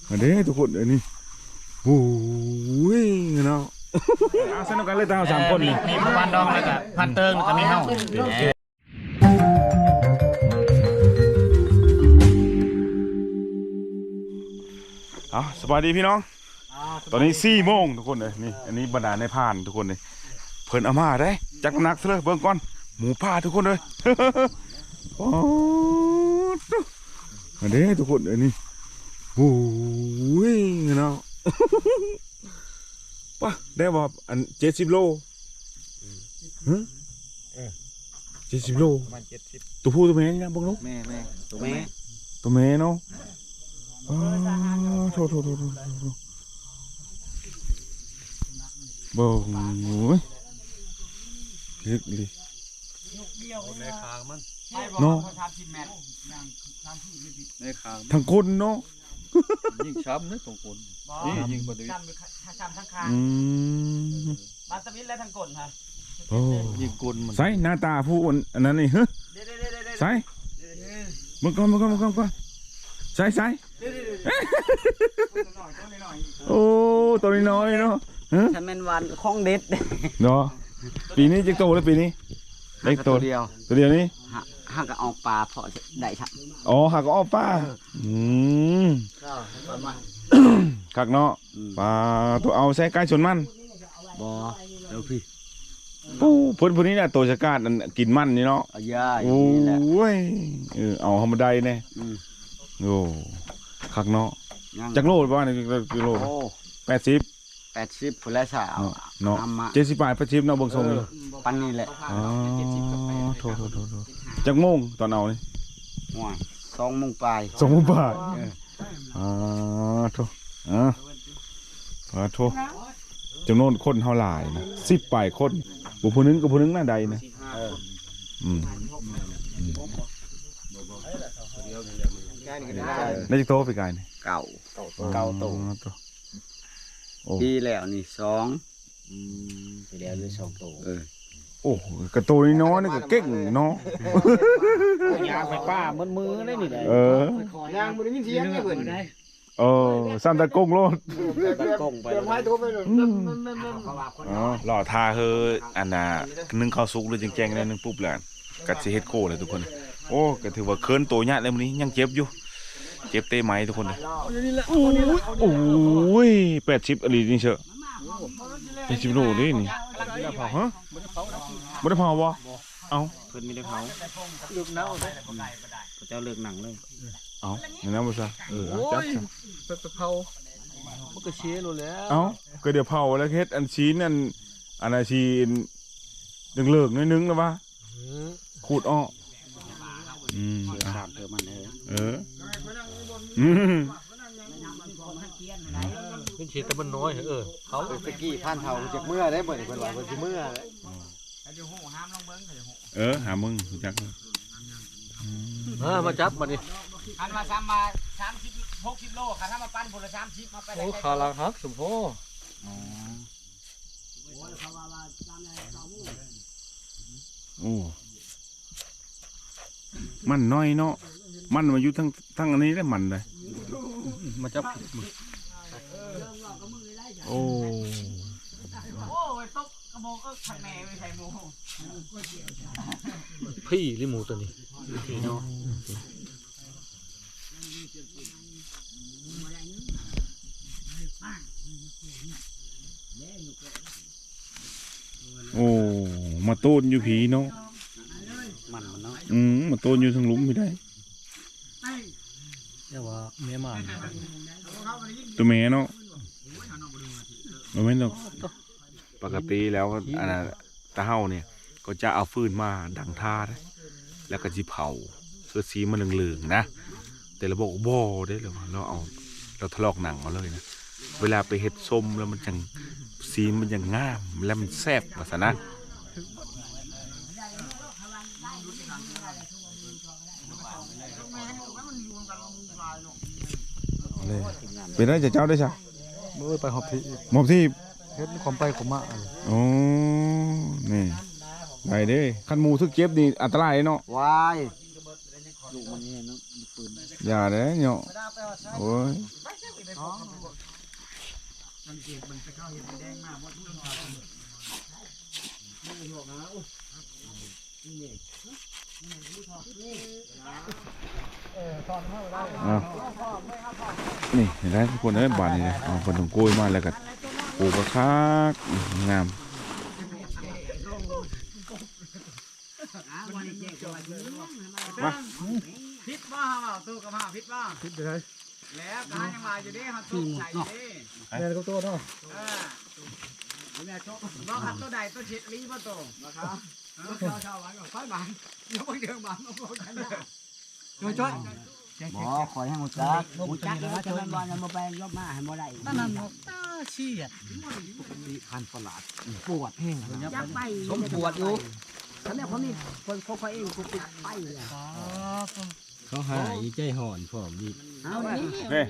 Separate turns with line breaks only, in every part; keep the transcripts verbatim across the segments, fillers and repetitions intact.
อันนี้ทุกคนอันนี้โอ้ยเนาะเอาสนุกกันเลยตาสามคนนี่
มีพันดองแล้วก็พันเติงแล้วก็มีเฮา
เอาสวัสดีพี่น้องตอนนี้สี่โมงทุกคนเลยนี่อันนี้บรรดาในผ่านทุกคนเลยเพิ่นเอามาได้จักนักซะเลยเบิ่งก่อนหมูป่าทุกคนเลยโอ้อันนี้ทุกคนอันนี้โอ้ยเนาะป่ะได้บ่อันเจ็ดสิบโลฮะเจ็ดสิบโลประมาณเจ็ดสิบตัวผู้ตัวแม่นี่นะบังลูก
แม่แม่ตัวแม่
ตัวแม่เนาะอ๋อโถโถโถโถบ่โอ้ยลึกเลยในคางมันเนาะ
ในคาง
ทั้งคนเนาะ
ยิ่งช้ำนะของคนนี่ยิ่งกว่าช้ำช้ำทั้งคางมาสวิตและทั้งกลฮะ
โอ้
ยิงกลมัน
ใส่หน้าตาผู้อันนั้นนี่เฮ้ยใส่มึงก่อนมึงก่อนมึงก่อนก่อนใส่ใส่โอ้ตัวน้อยเนาะ
ฉันเป็นวันคล้องเด็ด
เนาะปีนี้จะโตแล้วปีนี้ได้โต
เดียว
ตัวเดียวนี้
หักก็ออกปลาเพาะได้ครับ
อ๋อหักก็ออกปลาอืมขักเนาะปลาตัวเอาใส่ใกล้ชนมัน
บอเดี๋ยวพี่
ปูพื้นพื้นนี้เนี่ยตัวชะกาดกินมันนี่เนาะโอ้ยเออเอาธรรมดาเนี่ยโอ้ขักเนาะจักโลประมาณกิโลแปดสิบ
แปดสิบผลและสาว
เนาะเจ็ดสิบแปดแปดสิบเนาะบางทรงเลย
ปันนี่แหละ
อ๋อโทษโทษโทษจักโมงตอนเอานี่
สองโมงปลาย
สองโมงปลายอ๋อโทษอ๋อขอโทษจำนวนคนเท่าไหร่นะสิบปลายคนบุพนึงกับพนึงหน้าใดนะอืมได้จะโตไปไกลนี่
เก่าเก่าโตปีแล้วนี่สองปีแล้วเลยสองโตเออ
โอ้กระโตนี่น้อยนี่ก็เก่งเนาะ
ยางไปป้ามือมือได้นี่เลย
เออย
างมือได้ยินเสียงเนี่ยเพื่อน
เออสั้นตะกงโลด
ตะกงไปเลย
อ๋อหล่อทาเฮออันน่ะนึ่งข้าวซุกเลยแจ้งๆเลยนึ่งปุ๊บแล้วกัดสิเฮ็ดโก้เลยทุกคนโอ้ก็ถือว่าเคินโตยะเลยมื้อนี้ยังเจ็บอยู่เจ็บเตะไหมทุกคนเลยโอ้ยแปดสิบอะไรนี่เชอะแปดสิบโลนี่นี่ฮะไม่ได้เผาวะเอา
เพิ่นไม่ได้เผาเลือกเน่าเลยพระเจ้าเลือกหนังเลย
เอาอย่างนั้นบ่ซะเออจับ
ไปไปเผามันก็เชี่ยรู้แล้ว
เอาก็เดี๋ยวเผาแล้วเฮ็ดอันชิ้นอันอันอาชีนเลิกๆนิดนึงแล้ววะขูดอ้ออืม
สามเธอมันเลย
เอออืม
เป็นชีตะมันน้อยเออเขา
ตะกี้ผ่านเท่าจากเมื่อได้เหมือนเพิ่นว่าเพิ่นสิเมื่อเลย
เออหามึงจัก
เออมาจับมาดิ
อันมาซ้ำมาสามสิบหกสิบโลค่ะถ้ามาปั้นผลละสามสิบมาไป
โอ้ขาลังฮักสมโพ
โอ้มันน้อยเนาะมันมาอยู่ทั้งทั้งอันนี้ได้มันเลย
มาจับ
โอ้
โอ้ยตกกระโมงเอิ้กผักแหน่ไม่ใช่หมู
พี่ลิมูตัวนี้
เนาะ
โอ้มาโต้นอยู่ผีเนาะ
มันมันเนาะ
อืมมาโต้นอยู่ทางหลุมไม่ได้
เรียกว่าเมียมัน
ตัวเมียเนาะไม่ต้องปกติแล้วอันนั้นตาเฮาเนี่ยก็จะเอาฟืนมาดังท่าแล้วก็จีเผาเสื้อสีมันเหลืองๆนะแต่เราบอกบ่ได้เลยเราเอาเราทะลอกหนังเอาเลยนะเวลาไปเห็ดส้มแล้วมันจังสีมันยังงามแล้วมันแซ่บภาษานะเป็นได้จะเจ้าได้ใช่
เมื่อไปหอบที่
หอบที่
เฮ็ดความไปขมะ
โอ้นี่ได้เด้ขันมูทึกเจ็บนี่อันตรายเนาะ
วายลูกมันนี่เนาะปืน
อย่าเด้เนาะโอ้ยอ้าวนี่เห็นไหมทุกคนเอ้ยบานนี่เลยเอาคนตรงกล้วยมาแล้วก็ปลูกกระคักงามมา
พิษบ้าเปล่าตู้กับผ้าพิษบ้า
คิดไปเลย
แล้วการยังมาอยู่ดิเขาตู้ใส่อยู่ดิ
แม่ก็ตัวเนาะ
เออเนี่ยโชคบ้าขัดตัวใดตัวเช็ดลีมาโตนะครับชาวชาวบ้านก็ค่อยบ้านยกไปเดือดบ้านมาโปรยกันนะโดยช่วยบ่คอยให้หมดจักหมดจักแล้วจะมันวันจะมาไปยกมาให้บ่ได้นั่นน่ะตาชี้อ่ะพันประหลาดปวดแห้งยักไปผมปวดอยู่ฉันเนี่ยผมนี่คนเขาเองกูติดไปเลย
เขาหายใจห่อนพร้อมดี
เอาดิ
นี่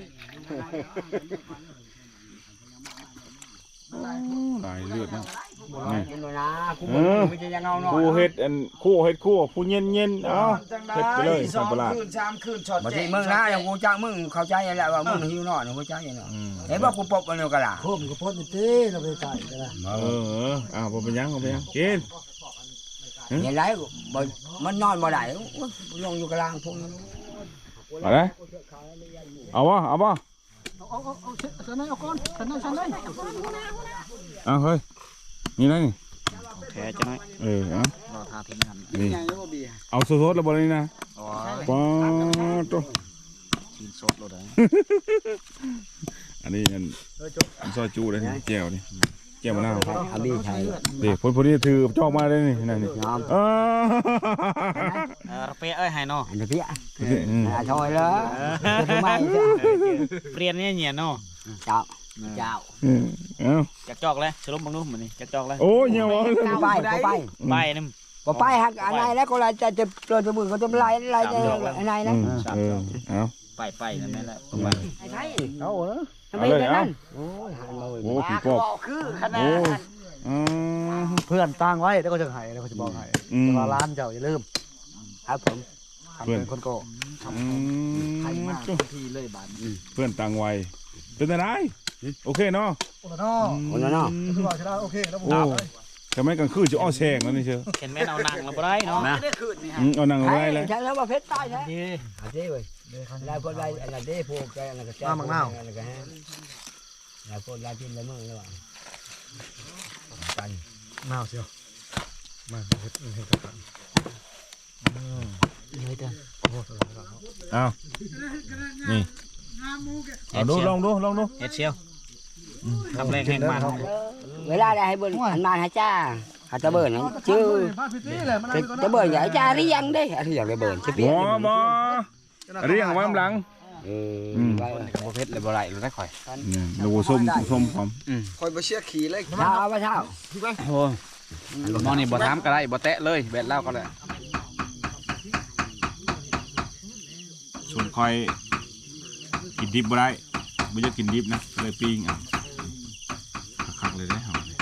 หลายเลือดนะนี่
กินเลยนะกู
เออ
ไม่จะยังเอาหน่อย
คู่เฮ็ดอันคู่เฮ็ดคู่ผู้เย็นเย็นๆเอาเฮ็ดไปเลยสัมปะหลาด
คืนสามคืนช็อตแจกมึงนะอย่างกูจ้างมึงเข้าใจแหละว่ามึงหิวหน่อยกูจ้างอย่างเนาะ
อืม
เห็นว่ากูปบกันอยู่กันล่ะ
โคมก็พ้นตีเราไปไก่กันละ
เออเออเอาบ่เป็นหยังบ่เป็นหยังกิน
เห็นไรบ่มันนอนบ่ได้ลงอยู่กลางพง
เอาเลยเอาวะเอาวะ
เอาเอาเอาฉันไหนเอาก้อนฉันไหนฉันไหน
เอาเฮ้ยนี่นะนี่
แพ้จะน้อย
เออเอา
รอทาทิ้งกัน
นี่เอาสดๆแล้วบ่นี่นะ
อ๋อ
ป๊าดโต
ชิ้นสดเลย
อันนี้อันซอยจูเลยนี่แก้วนี่แก้วมะนาว
อาบีใช่
เด็กคนพวกนี้ถือจอกมาได้นี่นั่นนี่เออ
เออเป๊ะเอ้ยให้เนาะ
อันนี้พี่อ่ะอ่าถอยแล้วทำไม
เปลี่ยนเนี่ยเนียเนาะ
เจ้าเจ้า
เอ้า
จักจอกเลยสรุปบังดูมันนี่จักจอกเลย
โอ้ยเหี่ยว
ไปไป
ใบนึง
ก็ไปหักอะไรแล้วก็จะจะเปลือยสมุนก็จะไล่ไล่อะไรนะ
เออเอา
ไปไปนั่นแหละไป
ไอ้ไทย
เอาเนาะ
ทำไมเป็นนั่นโอ้ยหันมา
โอ้ผีปอบ
คือขนา
โอ้
ด
อืม
เพื่อนตั้งไว้แล้วก็จะหายแล้วก็จะบอกหาย
อืม
จะมาร้านเจ้าอย่าลืม
ครับผม
ทำเป็นคนโก
อืม
ที่เลยบาน
เพื่อนต่างวัยเป็นอะไรโอเคเนาะ
โอ้โหเนาะ
คนละเนาะ
คือบอกใช่ไหมโอเคแล้วผม
โอ้ทำไมกลางคืนจะอ้อแซงแล้วนี่เชียว
เห็นแม่เอานางเราบ่ได้เนาะ
ไม่ได้คืนนี่ฮะ
อืมเอานั่งเอา
ใช่
ไว้เลย
ใช่แล้วว่าเพชรตายใช่
ดี
อาเจ้เว้ยลายคนลายอะไรเด้พวกแกอะไรก็แจ้อะไรก็ฮะลายคนลายพินลายมือแล้วว่ากัน
น่าวเชียวมาเห็ดเห็ดกัน
เลยเด้อ
โอ้โห
เอานี่เอาดูลองดูลองดู
เฮ็ดเชียวทำแรงแห้งมัน
เวลาได้ให้เบิ่งอันมาให้จ้าหาตะเบิ่นชื่อ
พาพิธีเลยมัน
ตะเบิ่นใหญ่จ้าหรือยังเด้หรือยังได้เบิ่นชื่อเปี
บ่
ย
บ่เรียงไว้ข้างหลัง
เออ
บ่เพชรเลยบ่ได้เลยได้ข่อย
นี่ดูส้มส้มหอม
คอยบ่เชื่อขี่เลยเช้าบ่เช้า
โอ้มองนี่บ่ถามก็ได้บ่แตะเลยแบดเล่าก็ได้
ส่วนคอยกินดิบบ่ได้ไม่จะกินดิบนะเลยปิ้งอ่ะคักๆเลยได้หอมเลย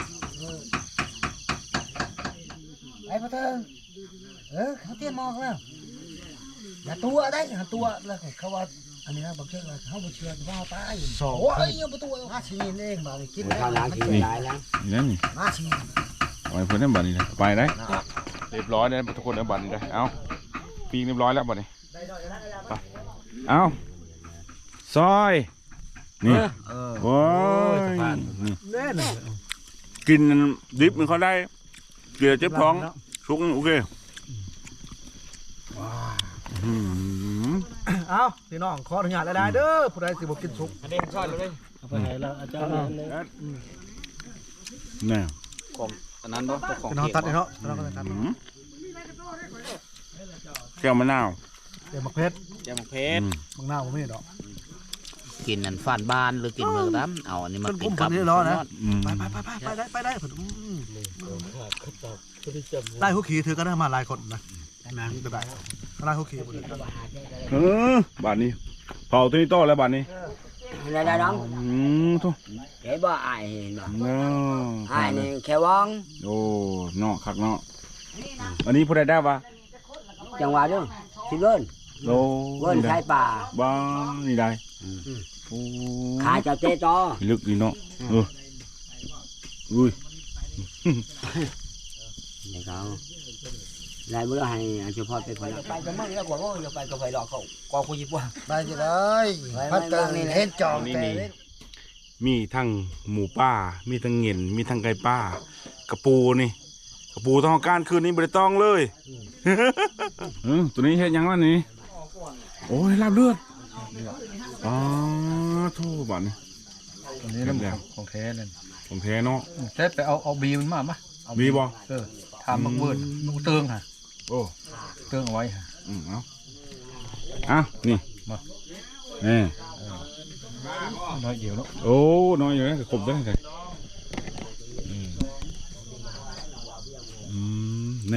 ไอ้พ่อเธอเออเขาเตรียมมองแล้วอย่าตัวได้อย่าตัวแล้วเขาว่าอันนี้นะบางเชื่อเขาบอกเชื่อว่าตายสองโอ้ยยังประตูมาชีนเองมากิน
ข้าวล้างขี่ได้แล้ว
นี่นั่นนี่
มาชีน
เอาไปเพื่อนนั่นบัตรนี่นะไปได้เรียบร้อยเลยทุกคนเอาบัตรนี่ได้เอาปิ้งเรียบร้อยแล้วบัตรนี่ไปเอาซอยนี่โอ้ยนี่
แน่น
กินดิบมันเขาได้เกลือเจ็บท้องชุกโอเคอืม
เอาพี่น้องขออนุญาตได้เด้อผู้ใดสิบ่กินสุก
เด้งซอยเลย
เอาไปไหนแล้วอาจารย์
นี่
ของอันนั้นบ่ของ
พี่น้องตัดเนาะพี่น้องตัด
อืมแก้วมะนาว
เดี๋ยวมักเพชร
แจ่มเพชร
มังนาวบ่มีดอก
กินอันฟานบ้านหรือกินเมืองน้ำเอาอันนี้มากินกับ
อืม
ไปไปไปไปได้ไปได้ผมได้หุกขี่ถือกันได้มาหลายคนนะนะได้ได้หุกขี่หมดเลย
เออบาทนี้เผาตัวนี้ต่อแล้วบาทนี้
ได้ได้น้อง
อืมทุก
เห็นบ่อายเห็นบ่
เนาะ
อายนี่แค่วอง
โอ้เนาะคักเนาะอันนี้ผู้ใดได้ปะ
จังหวะเด้อสิเบิ่น
โอ้
เบิ่นชายป่า
บ้านี่ได้โอ้
ขาเจ้าเต้ต่อ
ลึกดีเนาะเอออุ้ย
เดี๋ยวเขาไล่เมื่อให้เฉพาะไปคนละไปก็มั่งแล้วกว่าก็ไปก็ไปรอเขาก็คุยว่า
ไปจะได้พัดเตอร์เห็นจอง
นี่
แต่
นี่มีทั้งหมูป่ามีทั้งเงินมีทั้งไก่ป่ากระปูนี่กระปูต้องเอาการคืนนี้บริต้องเลยเออตัวนี้เฮ็ดยังวะนี่โอ้ยลาบเลือดอ๋อโทษบ้านนี่
อันนี้น้ำของแท้เลย
ของแท้เนาะ
แท้ไปเอาเอาบีมันมาปะเอา
มีบ่
เออทำมักเบิดมักเติงฮะ
โอ้
เติงเอาไว้ฮะ
อืมเอาอ่ะนี่
มา
แน่
น้อยเดียวเนาะ
โอ้น้อยอยู่นะขบได้ไงอืมอืมแน่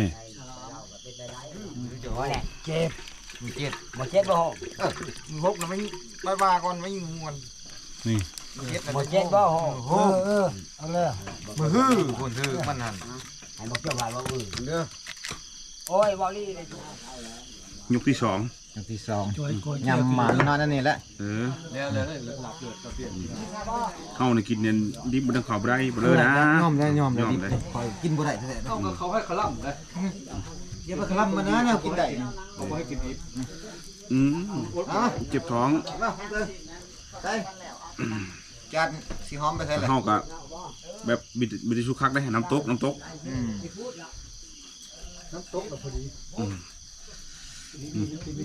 เจ็บเจ็บมาเจ็บบ่
มือพกนะไม่บายบายก่อนไม่ยิงงวน
นี่
มาเจ็บบ่
เออเออเอาเลยมือฮื้อคนฮื้อมันหัน
ให้มาเกี่ยวกับว่าอือ
เด้อ
โอ้ยบอลลี่เลย
ยกที่สอง
อย่างที่สอง
ยำหมันนอนนั่นนี่แหละ
เออ
แล้วแล้วหลับเดือดเปลี่ยน
เข้าในกินเนี่ยดิบบนทางเขาบ่ได้บ่เลยนะ
ยอมได้ยอมได้
ยอมได้
คอยกินบ่ได้แท้ๆ
เขาเขาให้ขลั่มเลย
อย่าไปคลำมันนะแนวกินได้
เขาให้กินอีก
อืม
อ่ะ
เจ็บท้อง
มาเลยใส่จานสีหอมไปใส่เลย
เข้ากับแบบบิดบิดชุคักได้น้ำตกน้ำตก
อืมน้ำตกแบบพอดี
อืมอืม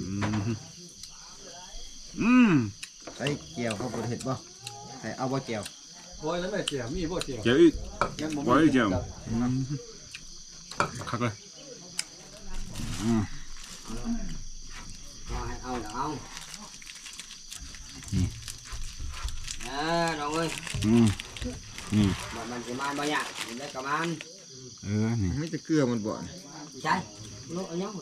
อืม
ใส่เกี่ยวเขาบ่เห็ดบ่ใส่เอาบ่เกี่ยว
โอ้ยแล้วแม่เจียวมีบ่เจียว
เจ้าอีกไว้เจ้าอืมคักเลยอืม
เอาเอาเออน้องเอ้ย
อืมนี่
มันจะมาบ่ยากมันได้กับมัน
เออนี่
ไม่จะเกลือมันบ่
ใช่ลูกอันนี้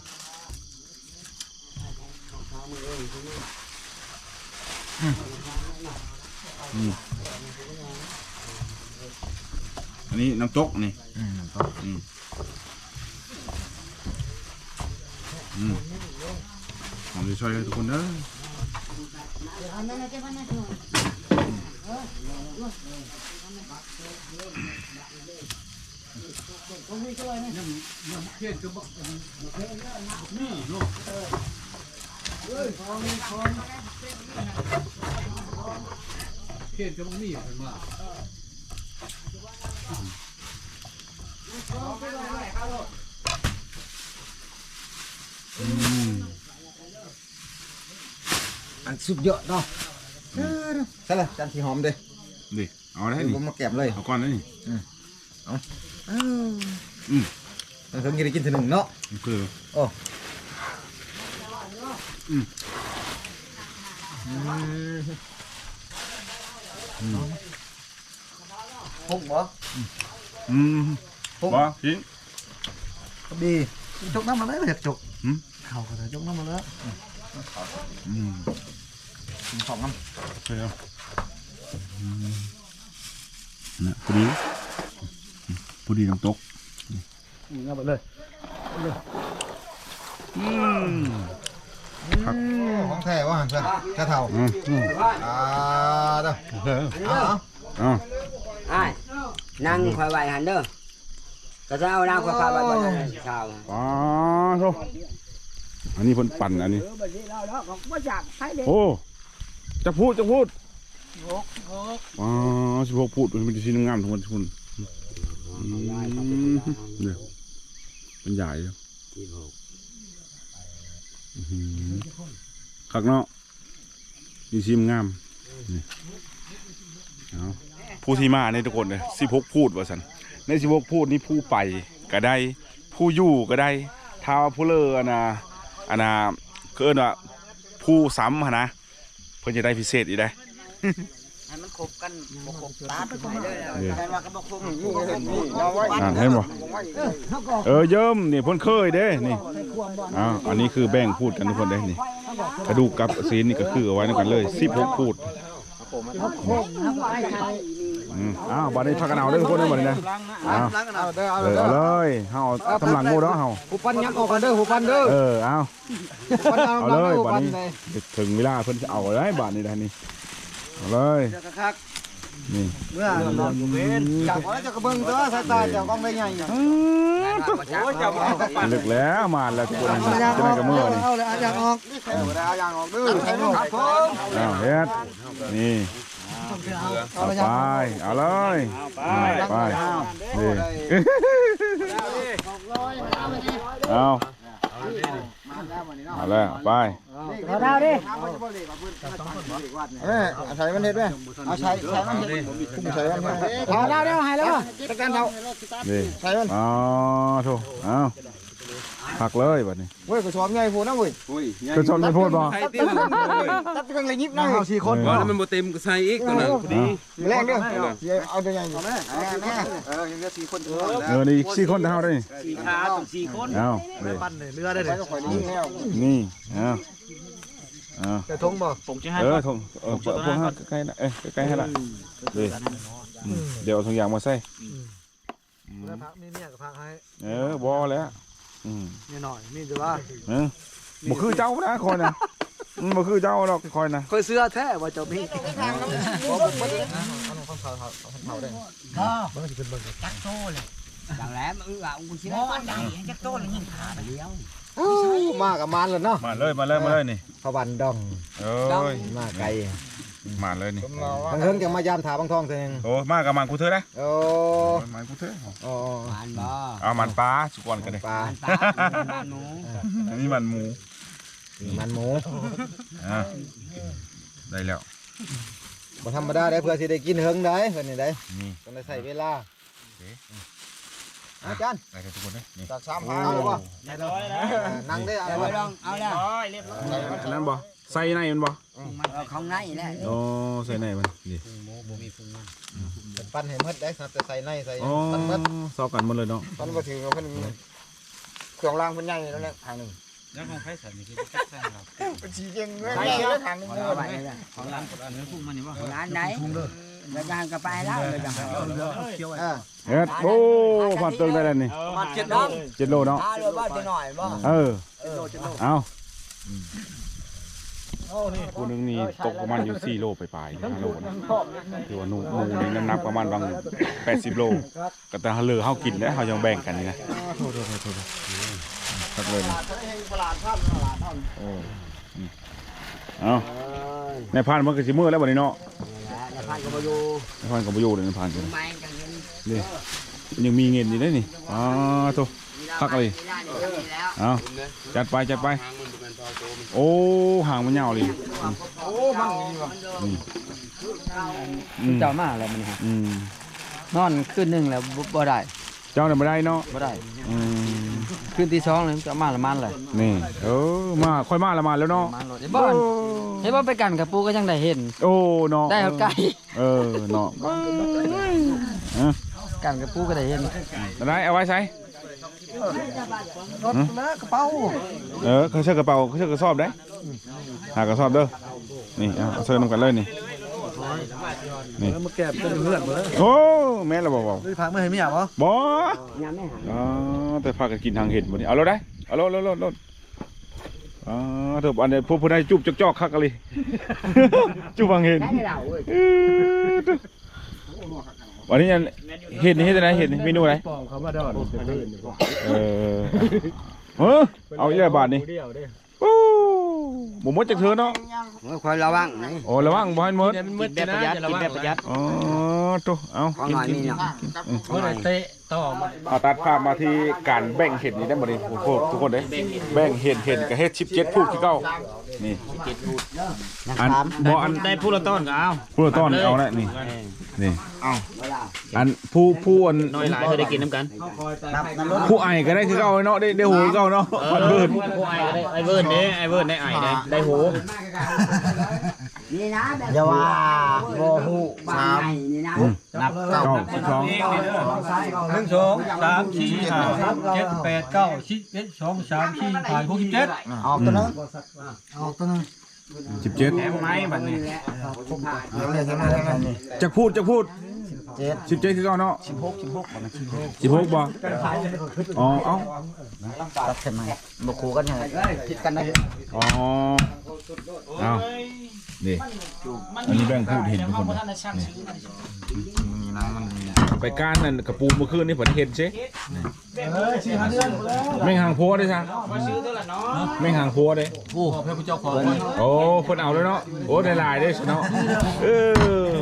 อันนี้น้ำตกนี่
อืม
อืมอืมหอมจะช่วยทุกคนเด้อ
เพี้ยนก็บอกเพี้ยนก็บอกนี่เป็นว่า
อันสุดยอดเนาะใช่ละจานสีหอมเด้
ดิเอาได้
เดี๋ยว
นี่
ผมมาแกมเลย
เอาก้อนได้นี่
อ้าว
อืม
เราเพิ่งกินได้กินทีหนึ่งเนาะ
มันคือ
โอ้
อืม
พุ่งบ่
อืมบ่ทิ้ง
ดีจกน้ำมาเลยไม่อยากจก
หืม
เข่าก็ได้จกน้ำมาเลย
อืม
กินของน้
ใช่แล้วอืมนะพอดีพอดีน้ำตก
มึงเอาไปเลย
อืม
ำครับของแท้ว่าหันเพื่อนแค่เท่า
อืมอืม
อ่าเด้อ
เออ
เอา
เอา
ไอ้นั่งคอยไหวหันเด้อก็จะเอานั่งคอยพาไปบ่ได้ชาว
ปลาโธ่อันนี้เพิ่นปั่นอันนี้ โอ้จะพูดจะพูดอ๋อสิบหกพูดมันเป็นชิ้นงามทุกคนทุกคนอืมเดี๋ยวเป็นใหญ่เลยอื้อหือคักเนาะมีชิมงามนี่เอาผู้ที่มาเนี่ยทุกคนเลยสิบหกพูดว่าสันในสิบหกพูดนี่ผู้ไปก็ได้ ผู้อยู่ก็ได้ท้าว่าผู้เลออันนะอันนะเกินว่าผู้ซ้ำหั่นนะเพื่อจะได้พิเศษอีกได้
ให้มันครบกันบ่ครบตาไปไหนเลย
เออ
แต่ว่าก็บ่ครบ
อ่านให้บ่เออเยิ้มนี่เพ่นเคยเด้นี่อ้าวอันนี้คือแบ่งพูดกันทุกคนได้นี่กระดูกกับซีนนี่ก็คือเอาไว้ในกันเลยสิบหกพูดอืมอ้าวบัดนี้พักกันเอาเด้อทุกคนเด้อบัดนี้นะอ้าว
เอาเด้อเอา
เออ
เด้อ
เอาเลยเฮาเอาทำหลังงูเด้อเฮา
หูปันยักออกกันเด้อหูปันเด้อ
เออเอา
ปันเอา
เอา
หลัง
เลย
หู
บัด
ปัน
นี้
เลย
ถึงเวลาเพิ่นจะเอาได้บัดนี้ได้นี่เอาเลย
เดี๋ยวกระคัก
นี่
เมื่อจับไว้จะกระเบื้องตัวสายตาจับกล้องได้ไง
โอ้ยจับลึกแล้วมาแล้วทุกคนจะได้กับมือนี่
เอาเลยเอายางออกเอายางออกดื้อครับผม
อ้าวเฮ็ดนี่เอาไปเอาเลยไปนี่เอาเอาแล้วไป
เอาดาวดิเออใช้มันเด็ดไหมเอาใช้ใช้มันเด็ดใช้มันเด็ดเอาดาวเดียวหายแล้วตะการเท่า
นี่
ใช้มัน
อ๋อโถเอาผักเลยบัดนี้
เว้ยกูชอบไงพูดนะเว้ย
คือชนไม่พูดบ่
ตัดเครื่องเลยยิบนะเอาสี่คน
แล้วมันบ่เต็มก็ใส่อีกตัวนั้นพอดี
แรงเด้อเอาตัวใหญ่แม่แม่เออยังเหลือสี่คน
เออนี่สี่คนเท่าได้
สี่ขาต้องสี่คน
เอานี่
ปั้นเลยเรือได้เลย
นี่เอาเอา
จะทงบ่ผมจะให้
เออทงเออพวกห้าใกล้ๆนะเอ้ยใกล้ๆให้ละดีเดี๋ยวเอาถุงยางมาใส่
พักนี่เนี่ยกับพักให้
เออบ่แล้วอืม
นี่หน่อยนี่จะว่า
เออบ่คือเจ้านะคอยนะมันบ่คือเจ้าหรอกคอยนะ
เคยเสื้อแท้ว่าจะมีมากับมันเลยเนาะ
มาเลยมาเลยมาเลยนี่
พวันดอง
เอ้ย
มาไกล
มาเลยนี่
บางเฮิงจะมายามถาบางทองเอง
โอ้มากับมันกูเถอะนะ
โอ้
มันกูเถอะ
โอ้
มันบ่
เอามันปลาสุกอนกันเลย
ปลา
มันหมู
อันนี้มันหมู
มันหมู
อ่ะได้แล้ว
บ่ธรรมดาได้เพื่อสิได้กินเฮิงได้เพิ่นนี่ได้
นี่
ต้องได้ใส่เวลาอาจารย์
ได้แล้วทุกคนเลยนี่
จากสามพันเอาเลยบ่นั่งได้เอาเลย
เอาแล้ว
อันนั้นบ่ใส่ในมันบ่
เอาของในแหละ
โอ้ใส่ในมันนี่
ปั้นให้หมดได้ครับแต่ใส่ในใส่
โอ้
ปั้นหมด
ซอกกันหมดเลยเนาะ
ปั้นบ่ถือเพิ่นเครื่องรางเพิ่นใหญ่แล้วแหละทางนึง
แล้วของไผใส่นี่คือแซ่บครับ
เป็นสีเก่งเลยแล้วทางนึง
เอาไปเลยของร้านอันนี้พุ่งมันนี่บ่ร้านไหนแล้วก็ก็ไปแล้วเลยจัง
อ่า
เฮ็ดโอ้ผ่านเติงได้แล้วนี่
มาเจ็ดน้อง
เจ็ดโลเนาะ
หาเลยบ่จะหน่อยบ่
เออเอากูนึงนี่ตกประมาณอยู่สี่โลไปปลายห้าโลนะถือว่าหนูหมูนี่น้ำหนักประมาณบางแปดสิบโลก็แต่เหลือเฮากินแล้วเฮายังแบ่งกันนี่นะทักเลยนะเออเอาในพานมันก็สิมือแล้วบัดนี้เนาะ
แล้วพันก็บ่อยู่
ในพานก็บ่อยู่เลยในพานกัน
ไม่กันเงิน
นี่ยังมีเงินอยู่ได้นี่อ๋อโตพักเลยเอาจัดไปจัดไปโอ้ห่างมันยาวเลย
โอ้มันนี่ว่ะ
อืม
เจ้ามาแล้วมัน
อืม
นอนคืนนึงแล้วบ่ได้
เจ้าเนี่ยไม่ได้เนาะ
บ่ได้
อืม
คืนที่สองเลยจะมาละมันเลย
นี่เออมาค่อยมาละมาแล้วเนาะ
มันรถไอ้บ้านไอ้บ้านไปกันกับปูก็ยังได้เห็น
โอ้เนาะ
ได้เอาไก่
เออเนาะเออ
กันกับปูก็ได้เห็น
ได้เอาไว้ใช้
รถแล้วกระเป๋า
เออเขาเชือกกระเป๋าเขาเชือกกระสอบได้หากระสอบเด้อนี่เอาเสื้อนำกันเลยนี่นี่
มาแก็บเป็นเพื่อนบ่
โอ้แม่เราบอก
ได้พักไม่ให้มีอ่ะบ่
บ่อ๋อแต่พากันกินทางเห็ดบ่นี่เอารถได้เอารถรถรถรถอ๋อเถอะอันนี้พวกผู้ใดจุบจอกๆคักกันเลยจุบทางเห็ดวันนี้เห็ดนี่เห็ดอะไรเห็ดเมนูอะไร
ปองเขามาดอน
เออเออเอาอีกแล้วบาทนี่โอ้บ่หมดจากเธอเนาะ
คอยระวังนี่
โอ้ระวังบ่ให้หมด
มืดประหยัดกินแบบประหยัด
อ๋อโตเอากินกินกิน
เมื่อไหร่เตะต่อมา
เอาตัดภาพมาที่การแบ่งเห็ดนี่ได้บ่นี่โอ้โหทุกคนเด้แบ่งเห็ดเห็ดกับเห็ดสิบเจ็ดพูดที่เก่านี่อันบ่อัน
ได้ผู้ละต้นก็เอา
ผู้ต้อนเอาละนี่นี่อันผู้ผู้อัน
น้อยหลายเคยได้กินน้ำกัน
ผู้ไอก็ได้คือเก่าเนาะได้ได้หูเก่าเนาะอันเบิด
ผู้ไอ้ก็ได้ไอ้เวิร์นเด้ไอ้เวิร์นได้ไอ้ได้ได้หู
นี่นะ
อย่าว่าบ่ฮู้สาม
นี่นะ
นับเก้าสิบสอง
หนึ่งสองสามสี่ห้าหกเจ็ดแปดเก้าสิบเอ็ดสองสามสี่ห้าหกสิบเจ็ด
ออกตัวนึงออกตัวนึง
สิบเจ็ด
แถมไม้บัดนี้
เนี่ยจะมาทางนี้
จะพูดจะพูด
เจ็ด
สิบเจ็ดคือเก่าเนาะสิบหกสิบหกสิบหกบ่อ๋อเอ้า
ตัดใช่ไหมบ่คู่กันยังไงผิดกันนะ
อ๋อเอานี่อันนี้แบ่งพูดเห็นทุกคนไปก้านนั่นกระปูเมื่อคืนนี่ผมเห็นใช่แม่งหางพัวได้ซะแม่งหางพัวได้
โอ้พระพุทธเจ้าขอ
โอ้คนเอาเลยเนาะโอ้ได้ลายได้เนาะเออ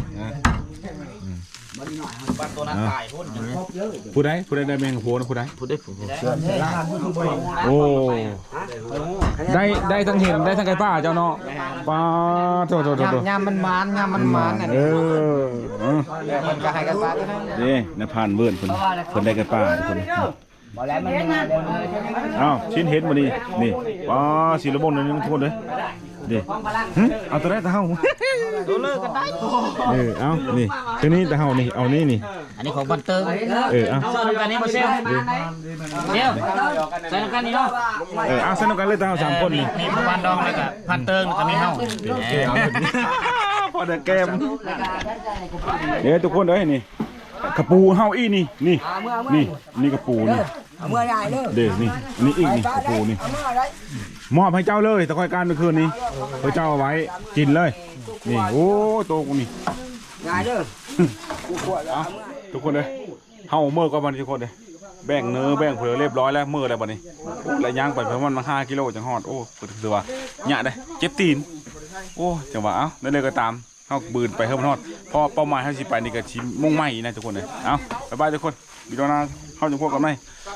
ผู้ใดผู้ใดได้แม่งหางพัวนะผู้ใด
พูดได้ผม
โอ้ได้ได้ทั้งเห็นได้ทั้งไก่ป้าเจ้าเนาะป้าโตโตโตโต
ยามมันมันยามมันมันน่ะ
เออ
มันก็ให้กันปลาตัวนั้น
นี่นะผ่านเวิร์นคนคนได้ไก่ป้าทุกคน
บ่แล้วมันมาเดี๋ยวนี้
อ้าวชิ้นเห็นมานี่นี่ป้าสีละบนนี่ทุกคนเลยดิเอาตัวได้ตะเฮา
ตัวเลิกกันได้
เออเอานี่ตัวนี้ตะเฮานี่เอานี่นี่
อันนี้ของบันเติง
เออเอา
ใส่น้ำกันนี่มาเซลเซลใส่น้ำกันนี่เนาะ
เออเอาสนุกกันเลยตะเฮาสามคนนี่
นี่พันดองเลยกับพันเติงแล้วก็มีเฮา
พอเด็กแกมเดี๋ยวทุกคนเอ้ยนี่กระปูเฮาอีนี่นี่นี่นี่กระปูนี่
เอามือใหญ่เด้อ
เด็กนี่อันนี้อีกนี่กระปูนี่
เอามืออะไร
มอบให้เจ้าเลยตะคอยการเมื่อคืนนี้ให้เจ้าเอาไว้กินเลยนี่โอ้โตกูนี่
ใหญ่เด้อ
เอาทุกคนเลยเฮาเมื่อก็บัดนทุกคนเลยแบ่งเนื้อแบ่งเผือเรียบร้อยแล้วเมื่อแล้วบัดนี้โอ้แล้วย่างไปประมาณมาห้ากิโลจังฮอดโอ้ถือว่าหยะได้เจ็บตีนโอ้จังหวะเอ้าได้เลยก็ตามเฮาบืนไปเพิ่มฮอดเพราะเป้าหมายเฮาสิไปนี่ก็สิมุ่งมั่นนะทุกคนเลยเอ้าบ๊ายบายทุกคนวิดีโอหน้าเฮาจะพบกันใหม่
บ